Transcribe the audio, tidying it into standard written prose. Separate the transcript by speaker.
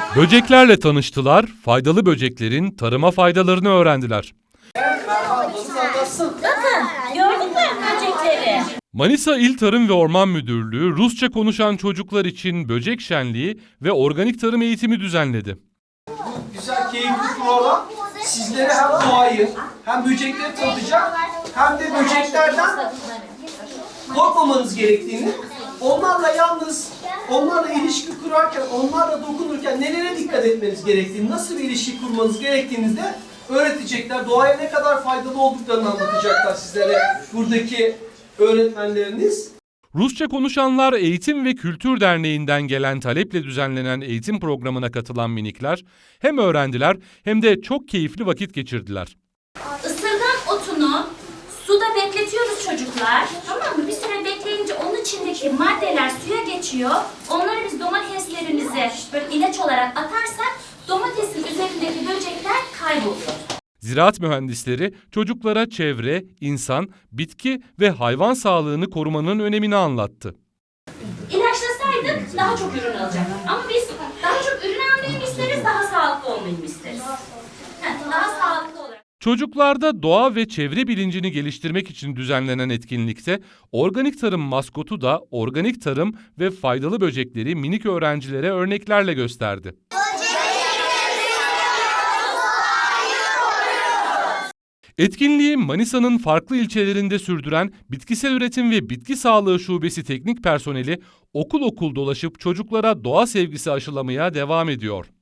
Speaker 1: Böceklerle tanıştılar, faydalı böceklerin tarıma faydalarını öğrendiler.
Speaker 2: Bakın, gördün mü böcekleri?
Speaker 1: Manisa İl Tarım ve Orman Müdürlüğü, Rusça konuşan çocuklar için böcek şenliği ve organik tarım eğitimi düzenledi.
Speaker 3: Güzel, keyifli program sizlere hem doğayı hem böcekleri tanıtacak hem de böceklerden korkmamanız gerektiğini, onlarla ilişki kurarken, onlarla dokunurken nelere dikkat etmeniz gerektiğini, nasıl bir ilişki kurmanız gerektiğini de öğretecekler. Doğaya ne kadar faydalı olduklarını anlatacaklar sizlere buradaki öğretmenleriniz.
Speaker 1: Rusça konuşanlar Eğitim ve Kültür Derneği'nden gelen taleple düzenlenen eğitim programına katılan minikler hem öğrendiler hem de çok keyifli vakit geçirdiler.
Speaker 2: Isırgan otunu suda bekletiyoruz çocuklar. Tamam mı? Bir süre bekleyince onun içindeki maddeler suya geçiyor. Onları biz domateslerimize böyle ilaç olarak atarsak domatesin üzerindeki böcekler kayboluyor.
Speaker 1: Ziraat mühendisleri çocuklara çevre, insan, bitki ve hayvan sağlığını korumanın önemini anlattı.
Speaker 2: İlaçlasaydık daha çok ürün alacaktık. Ama biz daha çok ürün almayı mı isteriz, daha sağlıklı olmayı mı isteriz? Daha sağlıklı olarak.
Speaker 1: Çocuklarda doğa ve çevre bilincini geliştirmek için düzenlenen etkinlikte organik tarım maskotu da organik tarım ve faydalı böcekleri minik öğrencilere örneklerle gösterdi. Etkinliği Manisa'nın farklı ilçelerinde sürdüren Bitkisel Üretim ve Bitki Sağlığı Şubesi teknik personeli okul okul dolaşıp çocuklara doğa sevgisi aşılamaya devam ediyor.